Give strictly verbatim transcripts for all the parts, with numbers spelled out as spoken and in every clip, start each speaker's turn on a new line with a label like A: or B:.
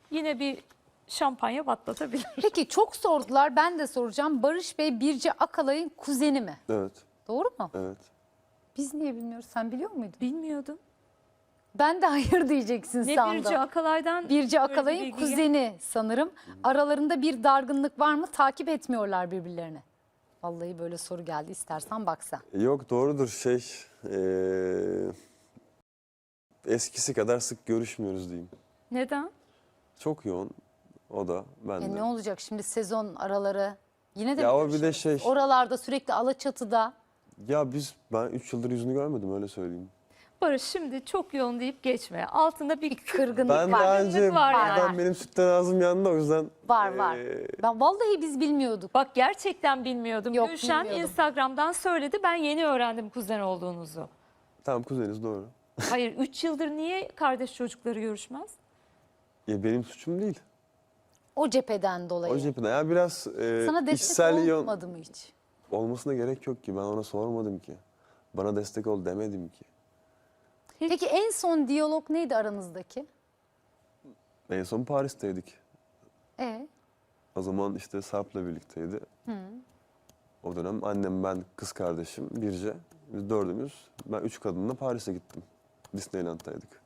A: yine bir şampanya patlatabilir.
B: Peki çok sordular, ben de soracağım. Barış Bey Birce Akalay'ın kuzeni mi?
C: Evet,
B: Doğru mu?
C: evet.
B: Biz niye bilmiyoruz? Sen biliyor muydun?
A: Bilmiyordum.
B: Ben de hayır diyeceksin
A: Ne
B: sandım.
A: Birce Akalay'dan?
B: Birce
A: böyle bir
B: Akalay'ın
A: bilgi
B: kuzeni sanırım. Aralarında bir dargınlık var mı? Takip etmiyorlar birbirlerini. Vallahi böyle soru geldi. İstersen bak sen.
C: Yok, doğrudur şey. eee, eskisi kadar sık görüşmüyoruz diyeyim.
A: Neden?
C: Çok yoğun. O da, ben
B: E
C: de.
B: ne olacak şimdi sezon araları? Yine de
C: Ya o bir
B: görüşürüz.
C: de şey.
B: Oralarda sürekli Alaçatı'da.
C: Ya biz, ben üç yıldır yüzünü görmedim, öyle söyleyeyim.
A: Barış şimdi çok yoğun deyip geçme. Altında bir
B: Kırgınlık
C: Ben
B: var.
C: daha önce,
A: var
C: buradan
B: yani.
C: benim sütten ağzım yandı, o yüzden.
B: Var var.
C: eee,
B: Ben vallahi biz bilmiyorduk.
A: Bak gerçekten bilmiyordum.
B: Yok,
A: Gülşen
B: bilmiyordum.
A: Instagram'dan söyledi. Ben yeni öğrendim kuzen olduğunuzu.
C: Tamam, kuzeniz, doğru.
A: Hayır üç yıldır niye kardeş çocukları görüşmez?
C: Ya benim suçum değil.
B: O cepheden dolayı.
C: O cepheden. Ya biraz eee
B: Sana destek
C: içsel yoğun
B: olmadı mı hiç?
C: olmasına gerek yok ki. Ben ona sormadım ki. Bana destek ol demedim ki.
A: Hiç.
B: Peki en son diyalog neydi aranızdaki?
C: En son Paris'teydik.
B: E
C: O zaman işte Sarp'la birlikteydi. O dönem annem, ben, kız kardeşim, Birce. Biz dördümüz. Ben üç kadınla Paris'e gittim. Disneyland'daydık.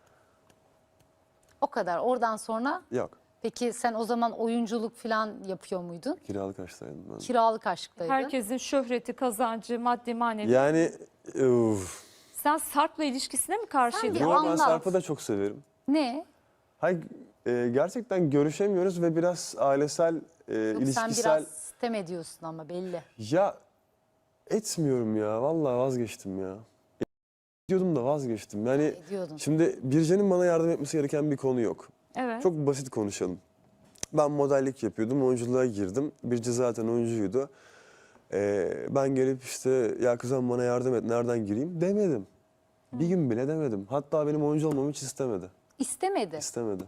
B: o kadar. Oradan sonra
C: Yok.
B: peki sen o zaman oyunculuk falan yapıyor muydun?
C: Kiralık aşktaydım ben.
B: Kiralık aşktaydın.
A: Herkesin şöhreti, kazancı, maddi manevi.
C: Yani uf.
A: Sen Sarp'la ilişkisine mi
B: Sen
A: karşıydın?
B: bir
C: Yo, ben
B: anlat.
C: Sarp'ı da çok severim.
B: Ne?
C: Hayır, e, gerçekten görüşemiyoruz ve biraz ailesel, e,
B: Yok, sen
C: ilişkisel...
B: biraz sitem ediyorsun ama belli.
C: Ya etmiyorum ya. Vallahi vazgeçtim ya. Diyordum da vazgeçtim. Yani
B: Ediyordun.
C: şimdi Birce'nin bana yardım etmesi gereken bir konu yok.
A: Evet.
C: Çok basit konuşalım. Ben modellik yapıyordum, oyunculuğa girdim. Birce zaten oyuncuydu. Ee, ben gelip işte ya kızım bana yardım et, nereden gireyim demedim. Bir gün bile demedim. Hatta benim oyuncu olmamı hiç istemedi.
B: İstemedi.
C: İstemedi.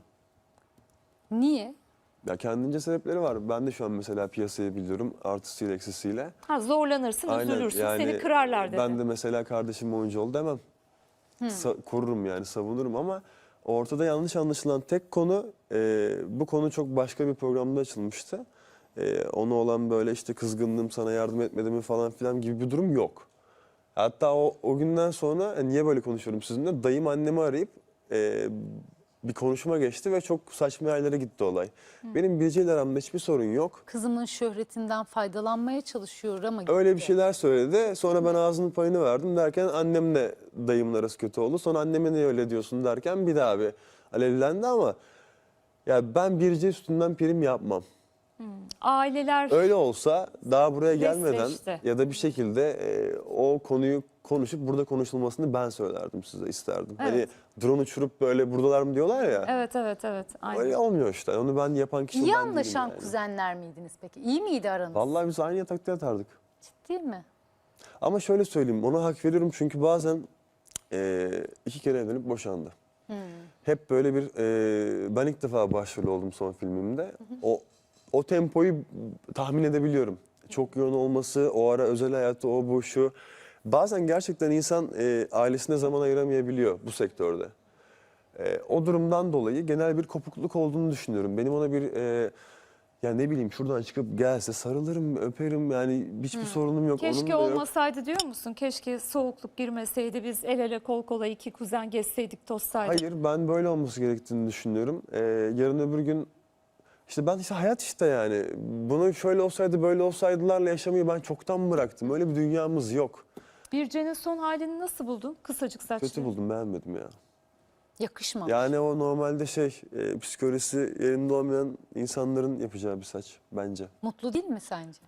B: Niye?
C: Ya kendince sebepleri var. Ben de şu an mesela piyasayı biliyorum, artısıyla eksisiyle.
A: Ha, zorlanırsın,
C: Aynen,
A: üzülürsün,
C: yani
A: seni kırarlar dedi.
C: Ben de mesela kardeşim oyuncu ol demem. Sa- korurum yani, savunurum ama ortada yanlış anlaşılan tek konu, e, bu konu çok başka bir programda açılmıştı. E, ona olan böyle işte kızgınlığım, sana yardım etmediğimi falan filan gibi bir durum yok. Hatta o, o günden sonra e, niye böyle konuşuyorum sizinle? Dayım annemi arayıp e, bir konuşma geçti ve çok saçma yerlere gitti olay. Benim Birce ile aramda hiçbir sorun yok.
B: Kızımın şöhretinden faydalanmaya çalışıyor ama
C: Öyle bir
B: gitti.
C: şeyler söyledi. Sonra ben ağzının payını verdim derken annemle dayımın arası kötü oldu. Sonra anneme niye öyle diyorsun derken bir daha bir alevlendi ama ya ben Birce üstünden prim yapmam.
A: Aileler
C: Öyle olsa daha buraya gelmeden
A: Destekçi.
C: ya da bir şekilde e, o konuyu konuşup burada konuşulmasını ben söylerdim size, isterdim. Hani
A: Evet.
C: drone uçurup böyle buradalar mı diyorlar ya.
A: evet evet evet. Aynen.
C: Öyle olmuyor işte. Onu ben yapan kişi
B: İyi
C: ben değilim
B: anlaşan
C: yani.
B: kuzenler miydiniz peki? İyi miydi aranız?
C: Vallahi biz aynı yatakta yatardık.
B: Ciddi mi?
C: Ama şöyle söyleyeyim, ona hak veriyorum çünkü bazen e, iki kere evlenip boşandı. Hep böyle bir, e, ben ilk defa başrol oldum son filmimde. O o tempoyu tahmin edebiliyorum. Çok yoğun olması, o ara özel hayatta o bu şu. Bazen gerçekten insan e, ailesine zaman ayıramayabiliyor bu sektörde. E, o durumdan dolayı genel bir kopukluk olduğunu düşünüyorum. Benim ona bir... E, ya ne bileyim şuradan çıkıp gelse sarılırım, öperim yani hiçbir sorunum yok. onun
A: Keşke
C: da yok.
A: olmasaydı diyor musun? Keşke soğukluk girmeseydi, biz el ele kol kola iki kuzen gezseydik, tozsaydık.
C: Hayır, ben böyle olması gerektiğini düşünüyorum. Ee, yarın öbür gün işte ben işte hayat işte yani. Bunu şöyle olsaydı böyle olsaydılarla yaşamayı ben çoktan bıraktım. Öyle bir dünyamız yok.
A: Birce'nin son halini nasıl buldun? Kısacık saçlı.
C: Kötü buldum, beğenmedim ya.
B: Yakışmamış.
C: Yani o normalde şey e, psikolojisi yerinde olmayan insanların yapacağı bir saç bence.
B: Mutlu değil mi sence?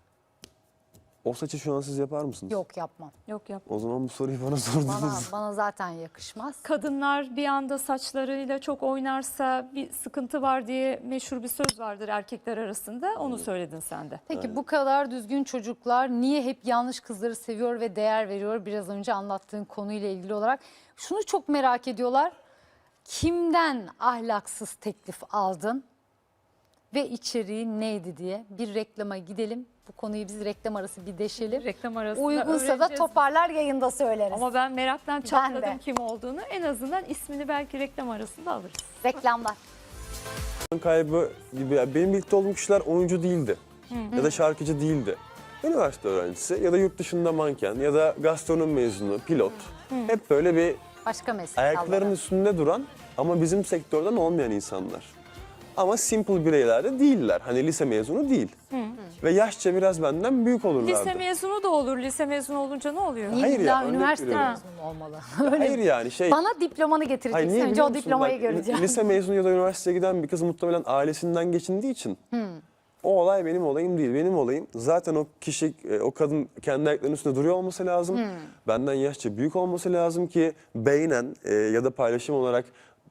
C: O saçı şu an siz yapar mısınız?
B: Yok, yapmam.
A: Yok yap.
C: O zaman bu soruyu bana sordunuz.
B: Bana, bana zaten yakışmaz.
A: Kadınlar bir anda saçlarıyla çok oynarsa bir sıkıntı var diye meşhur bir söz vardır erkekler arasında. Onu söyledin sen de.
B: Peki bu kadar düzgün çocuklar niye hep yanlış kızları seviyor ve değer veriyor? Biraz önce anlattığın konuyla ilgili olarak. Şunu çok merak ediyorlar. Kimden ahlaksız teklif aldın ve içeriği neydi diye bir reklama gidelim. Bu konuyu biz reklam arası bir deşelim.
A: Reklam arasında
B: Uygunsa da
A: öğreneceğiz.
B: toparlar yayında söyleriz.
A: Ama ben meraktan
B: de.
A: çatladım kim olduğunu. En azından ismini belki reklam arasında alırız.
B: Reklamlar.
C: kaybı gibi. Yani benim birlikte olduğum kişiler oyuncu değildi. Ya da şarkıcı değildi. Üniversite öğrencisi ya da yurt dışında manken ya da gastronomi mezunu, pilot. Hep böyle bir
B: Başka meslek
C: ayaklarının
B: dalları.
C: üstünde duran ama bizim sektörden olmayan insanlar. Ama simple bireyler de değiller. Hani lise mezunu değil. Ve yaşça biraz benden büyük olurlardı.
A: Lise mezunu da olur. Lise mezunu olunca ne oluyor?
B: Niye
C: Hayır ya,
B: illa
C: örnek
B: üniversite
C: veriyorum.
B: mezunu olmalı?
C: Hayır yani şey...
B: Bana diplomanı
C: Hayır,
B: getireceksin.
C: niye
B: Önce
C: biliyor
B: o
C: musun?
B: diplomayı
C: Bak,
B: göreceğim.
C: Lise mezunu ya da üniversiteye giden bir kız muhtemelen ailesinden geçindiği için o olay benim olayım değil. Benim olayım zaten o kişi, e, o kadın kendi ayaklarının üstünde duruyor olması lazım. Benden yaşça büyük olması lazım ki beynen e, ya da paylaşım olarak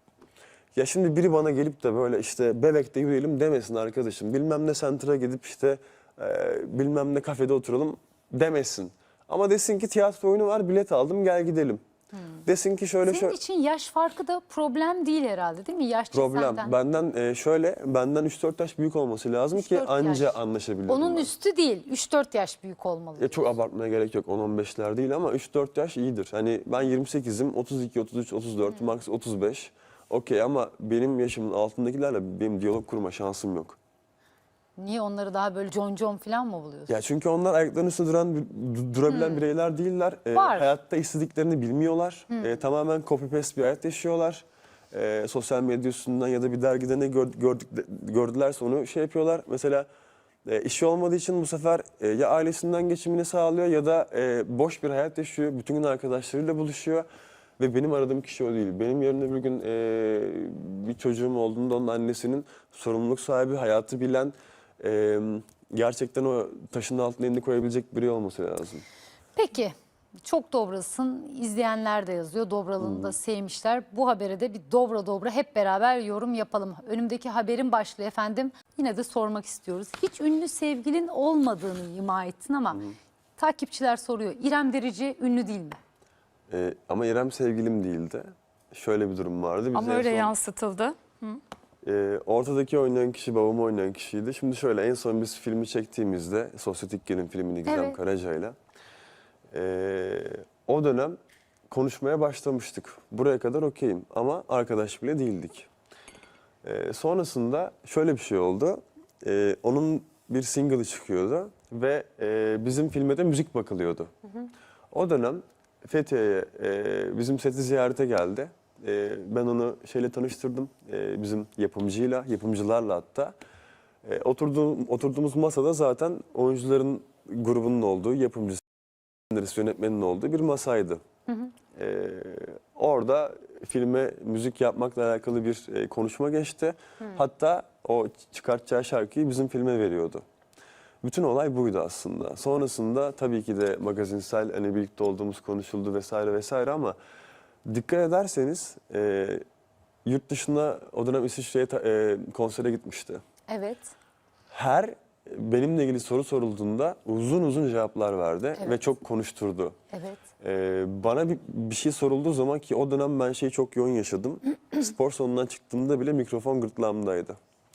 C: ya şimdi biri bana gelip de böyle işte Bebek'te yürüyelim demesin arkadaşım. Bilmem ne center'a gidip işte e, bilmem ne kafede oturalım demesin. Ama desin ki tiyatro oyunu var, bilet aldım, gel gidelim. Desin ki şöyle
B: Senin
C: şöyle.
B: için yaş farkı da problem değil herhalde, değil mi? Yaşça
C: Problem.
B: senden.
C: Benden e, şöyle, benden üç dört yaş büyük olması lazım
B: üç
C: ki
B: dört
C: anca
B: yaş.
C: anlaşabilirim
B: Onun
C: ben.
B: üstü değil, üç dört yaş büyük olmalı.
C: Ya çok abartmaya gerek yok. on on beşler değil ama üç dört yaş iyidir. Hani ben yirmi sekizim, otuz iki, otuz üç, otuz dört, max otuz beş. Okey ama benim yaşımın altındakilerle benim diyalog kurma şansım yok.
B: Niye onları daha böyle con con falan mı buluyorsun?
C: Ya çünkü onlar ayaklarının üstünde duran, du- durabilen bireyler değiller. Ee,
B: Var.
C: hayatta istediklerini bilmiyorlar. Ee, tamamen copy paste bir hayat yaşıyorlar. Ee, sosyal medya üstünden ya da bir dergide ne gör- gördük, gördülerse onu şey yapıyorlar. Mesela e, işi olmadığı için bu sefer e, ya ailesinden geçimini sağlıyor ya da e, boş bir hayat yaşıyor. Bütün gün arkadaşlarıyla buluşuyor. Ve benim aradığım kişi o değil. Benim yarın öbür gün e, bir çocuğum olduğunda onun annesinin sorumluluk sahibi, hayatı bilen, e, gerçekten o taşın altına elini koyabilecek biri olması lazım.
B: Peki, çok dobrasın. İzleyenler de yazıyor. Dobralığını da sevmişler. Bu habere de bir dobra dobra hep beraber yorum yapalım. Önümdeki haberin başlığı efendim. Yine de sormak istiyoruz. Hiç ünlü sevgilin olmadığını ima ettin ama takipçiler soruyor. İrem Derici ünlü değil mi?
C: E, ama İrem sevgilim değildi. Şöyle bir durum vardı. Biz
A: Ama
C: en
A: öyle
C: son-
A: yansıtıldı.
C: Ee, ortadaki oynayan kişi babamı oynayan kişiydi. Şimdi şöyle en son biz filmi çektiğimizde Sosyetikler'in filmini Gizem
B: Evet.
C: Karaca'yla ee, o dönem konuşmaya başlamıştık. Buraya kadar okeyim ama arkadaş bile değildik. Ee, sonrasında şöyle bir şey oldu. Ee, onun bir single'ı çıkıyordu ve e, bizim filme de müzik bakılıyordu. O dönem Fethiye'ye e, bizim seti ziyarete geldi. E, ben onu şeyle tanıştırdım, e, bizim yapımcıyla, yapımcılarla hatta. E, oturduğum, oturduğumuz masada zaten oyuncuların grubunun olduğu, yapımcısı, senarist, yönetmenin olduğu bir masaydı. E, orada filme müzik yapmakla alakalı bir e, konuşma geçti. Hatta o çıkartacağı şarkıyı bizim filme veriyordu. Bütün olay buydu aslında. Sonrasında tabii ki de magazinsel hani birlikte olduğumuz konuşuldu vesaire vesaire ama dikkat ederseniz e, yurt dışına o dönem İsviçre'ye ta- e, konsere gitmişti.
B: Evet.
C: Her benimle ilgili soru sorulduğunda uzun uzun cevaplar verdi
B: Evet.
C: ve çok konuşturdu.
B: Evet.
C: E, bana bir, bir şey sorulduğu zaman ki o dönem ben şeyi çok yoğun yaşadım. Spor salonundan çıktığımda bile mikrofon gırtlağımdaydı.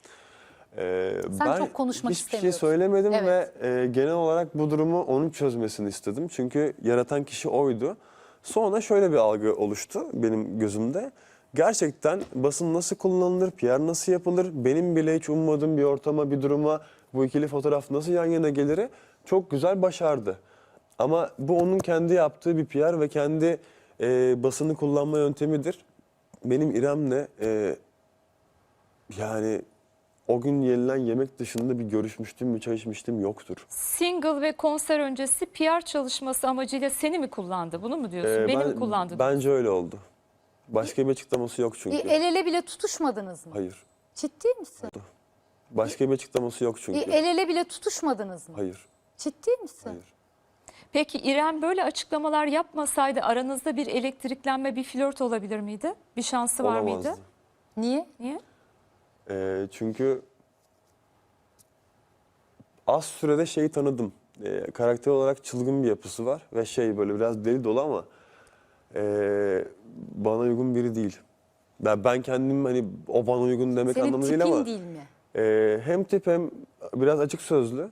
C: Ee,
B: Sen
C: ben
B: çok konuşmak
C: hiçbir şey
B: istemiyorsun.
C: söylemedim
B: Evet.
C: ve e, genel olarak bu durumu onun çözmesini istedim. Çünkü yaratan kişi oydu. Sonra şöyle bir algı oluştu benim gözümde. Gerçekten basın nasıl kullanılır, P R nasıl yapılır, benim bile hiç ummadığım bir ortama, bir duruma bu ikili fotoğraf nasıl yan yana geliri çok güzel başardı. Ama bu onun kendi yaptığı bir P R ve kendi e, basını kullanma yöntemidir. Benim İrem'le e, yani o gün yenilen yemek dışında bir görüşmüştüm, bir çay içmiştim yoktur.
A: Single ve konser öncesi P R çalışması amacıyla seni mi kullandı? Bunu mu diyorsun?
C: Ee,
A: Beni
C: ben-
A: mi kullandı?
C: Bence öyle oldu. Başka bir açıklaması yok çünkü.
B: E, el ele bile tutuşmadınız mı?
C: Hayır.
B: Ciddi misin?
C: Başka bir açıklaması yok
B: E,
C: çünkü.
B: el ele bile tutuşmadınız mı?
C: Hayır.
B: Ciddi misin?
C: Hayır.
A: Peki İrem böyle açıklamalar yapmasaydı aranızda bir elektriklenme, bir flört olabilir miydi? Bir şansı var
C: Olamazdı.
A: mıydı?
B: Niye?
A: Niye?
C: Ee, çünkü az sürede şeyi tanıdım. Ee, karakter olarak çılgın bir yapısı var ve şey böyle biraz deli dolu ama ee, bana uygun biri değil. Ben, ben kendim hani o bana uygun demek
B: Senin
C: anlamında
B: tipin
C: değil ama
B: değil mi?
C: ee, hem tip hem biraz açık sözlü.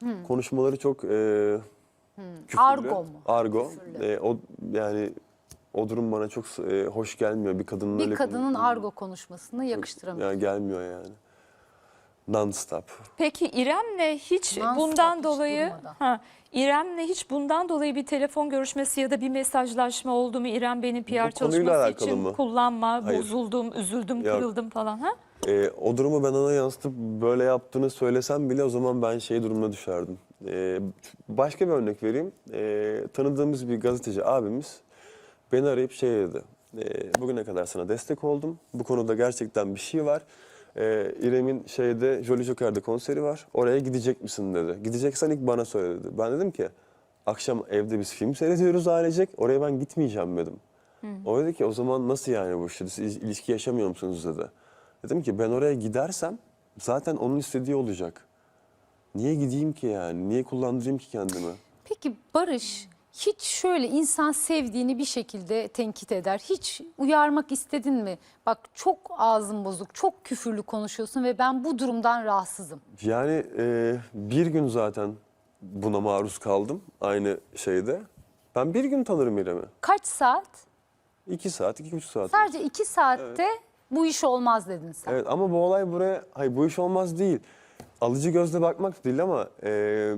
C: Konuşmaları çok ee, küfürlü.
B: Argo mu?
C: Argo.
B: Küfürlü.
C: Ee, o yani O durum bana çok e, hoş gelmiyor. Bir kadının
B: Bir
C: öyle
B: kadının
C: konu-
B: argo konuşmasını yakıştıramıyor.
C: Yani gelmiyor yani. Non-stop.
A: Peki İrem'le hiç
B: Non-stop,
A: bundan
B: hiç
A: dolayı
B: durmadan.
A: ha İrem'le hiç bundan dolayı bir telefon görüşmesi ya da bir mesajlaşma oldu mu? İrem beni P R
C: Bu konuyla
A: çalışması
C: alakalı
A: için
C: mı?
A: kullanma,
C: Hayır.
A: bozuldum, üzüldüm,
C: Yok.
A: kırıldım falan ha?
C: E, o durumu ben ona yansıtıp böyle yaptığını söylesem bile o zaman ben şey durumuna düşerdim. E, başka bir örnek vereyim. E, tanıdığımız bir gazeteci abimiz beni arayıp şey dedi. E, bugüne kadar sana destek oldum. Bu konuda gerçekten bir şey var. E, İrem'in şeyde Jolly Joker'de konseri var. Oraya gidecek misin dedi. Gideceksen ilk bana söyle dedi. Ben dedim ki akşam evde biz film seyrediyoruz ailecek. Oraya ben gitmeyeceğim dedim. O dedi ki o zaman nasıl yani bu işte siz ilişki yaşamıyor musunuz dedi. Dedim ki ben oraya gidersem zaten onun istediği olacak. Niye gideyim ki yani? Niye kullandırayım ki kendimi?
B: Peki Barış hiç şöyle insan sevdiğini bir şekilde tenkit eder. Hiç uyarmak istedin mi? Bak çok ağzın bozuk, çok küfürlü konuşuyorsun ve ben bu durumdan rahatsızım.
C: Yani e, bir gün zaten buna maruz kaldım aynı şeyde. Ben bir gün tanırım İrem'i.
B: Kaç saat?
C: İki saat, iki buçuk saat.
B: Sadece iki saatte bu iş olmaz dedin sen.
C: Evet ama bu olay buraya, hayır bu iş olmaz değil. Alıcı gözle bakmak değil ama e,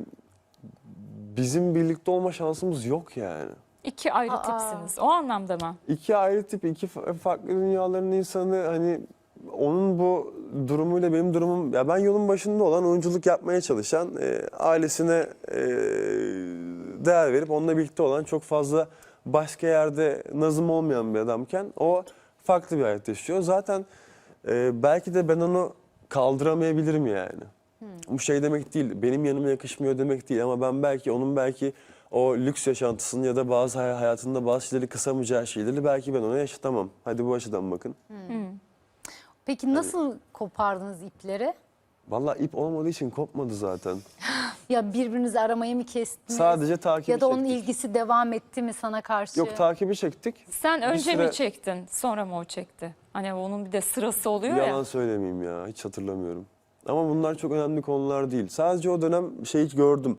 C: bizim birlikte olma şansımız yok yani.
A: İki ayrı
B: Aa.
A: tipsiniz. O anlamda mı?
C: İki ayrı tip, iki fa- farklı dünyaların insanı hani onun bu durumuyla benim durumum ya ben yolun başında olan oyunculuk yapmaya çalışan e, ailesine e, değer verip onunla birlikte olan çok fazla başka yerde nazım olmayan bir adamken o farklı bir hayat yaşıyor. Zaten e, belki de ben onu kaldıramayabilirim yani. Bu şey demek değil, benim yanıma yakışmıyor demek değil ama ben belki onun belki o lüks yaşantısını ya da bazı hay- hayatında bazı şeyleri kısamayacağı şeyleri belki ben ona yaşatamam. Hadi bu açıdan bakın.
B: Peki nasıl kopardınız ipleri?
C: Vallahi ip olmadığı için kopmadı zaten.
B: Ya birbirinizi aramayı mı kestiniz?
C: Sadece takibi
B: Ya da onun
C: çektik.
B: ilgisi devam etti mi sana karşı?
C: Yok takibi çektik.
A: Sen
C: Bir
A: önce
C: süre-
A: mi çektin, sonra mı o çekti? Hani onun bir de sırası oluyor ya.
C: Yalan söylemeyeyim ya hiç hatırlamıyorum. Ama bunlar çok önemli konular değil. Sadece o dönem şeyi gördüm.